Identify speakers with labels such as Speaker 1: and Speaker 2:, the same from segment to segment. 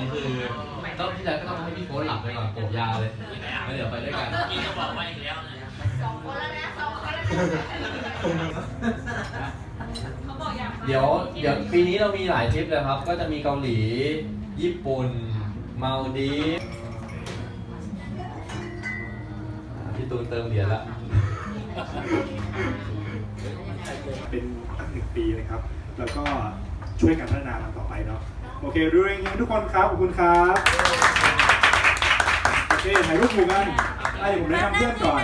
Speaker 1: คือต้องที่แล้วก็ต้องให้พี่โค้ชหลับไปก่อนโปะยาเลยแล้วเดี๋ยวไปด้วยกัน
Speaker 2: กินก็บอกไปอีกแล้วนะ
Speaker 3: 2 คนแล้วนะ2 คนแล้วเขาบอกอยาก
Speaker 1: เดี๋ยวปีนี้เรามีหลายทริปเลยครับก็จะมีเกาหลีญี่ปุ่นมาลดีฟพี่ตูนเติมเหรียญละ
Speaker 4: เป็นตั้ง1 ปีนะครับแล้วก็ช่วยกันพัฒนามันต่อไปเนาะโอเคดูอย่างนี้ทุกคนครับขอบคุณครับโอเคถ่ายรูปหมู่กันเดี๋ยวผมแนะนำเพื่อนก่อน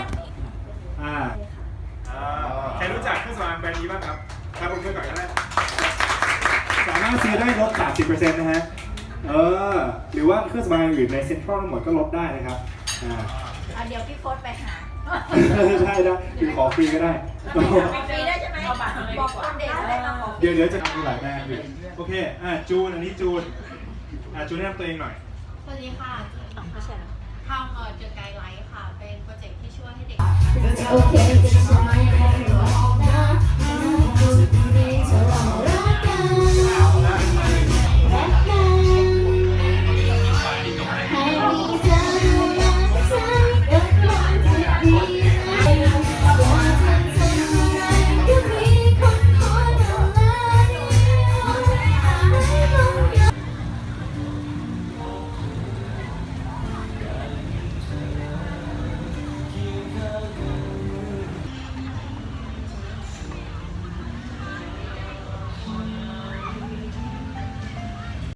Speaker 4: ใครรู้จักเครื่องสำอางแบรนด์นี้บ้างครับครับผมเพื่อนก่อนก็ได้สามารถซื้อได้ลด 30% นะฮะหรือว่าเครื่องสำอางอื่นในเซ็นทรัลทั้งหมดก็ลดได้นะครับ
Speaker 3: เดี๋ยวพี่โค้ชไปหา
Speaker 4: ได้คือขอฟรีก็ได้
Speaker 3: ฟรีได้ใช่ไหมบอกคนเด็กได้มาบอก
Speaker 4: เดี๋ยวจะมีหลายแบรนด์อยู่โอเคจูนอันนี้จูนจูนแนะนำตัวเองหน่อย
Speaker 3: สวัสดีค่ะทำเจอไกด์ไลท์ค่ะเป็นโปรเจกต์ที่ช่วยให้เด็ก